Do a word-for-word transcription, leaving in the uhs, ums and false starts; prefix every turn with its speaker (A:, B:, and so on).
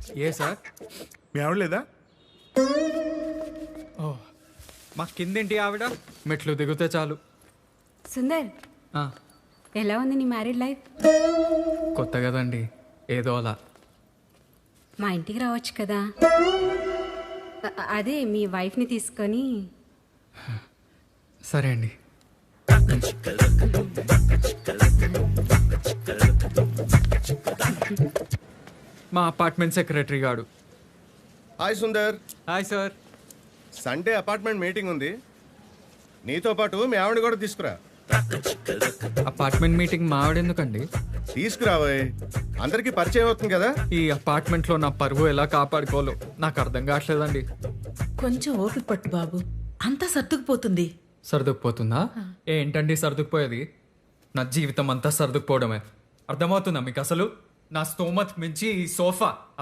A: ఏ sir?
B: మీ ఆవిడ లేదా?
A: ఓ, మా కిందేంటి ఆవిడ? మెట్లు దిగితే చాలు.
C: సుందర్,
A: ఆ,
C: ఎలా ఉంది నీ మ్యారీడ్ లైఫ్?
A: కొత్త కదండి, ఏదో అలా.
C: మా ఇంటికి రావచ్చు కదా. అ- అదే మీ వైఫ్ని తీసుకొని.
A: సరే అండి. మా అపార్ట్మెంట్ సెక్రటరీ గాడు.
D: Hi Sundar,
A: hi sir.
D: Sunday apartment meeting ఉంది, నీతో పాటు మీ ఆవిడ కూడా తీసుకురా.
A: Apartment meeting మావిడెందుకండి?
D: తీసుకురావోయ్, అందరికీ పరిచయం అవుతుంది కదా.
A: ఈ అపార్ట్మెంట్లో నా పరువు ఎలా కాపాడుకోవాలో నాకు అర్థం కావట్లేదండి.
E: కొంచెం ఓపిక పట్టు బాబు, అంతా సర్దుకుపోతుంది.
A: సర్దుకుపోతుందా? ఏంటండి సర్దుకుపోయేది? నా జీవితం అంతా సర్దుకుపోవడమే. అర్థమవుతుందా మీకు అసలు? నా స్తోమత్ మించి ఈ సోఫా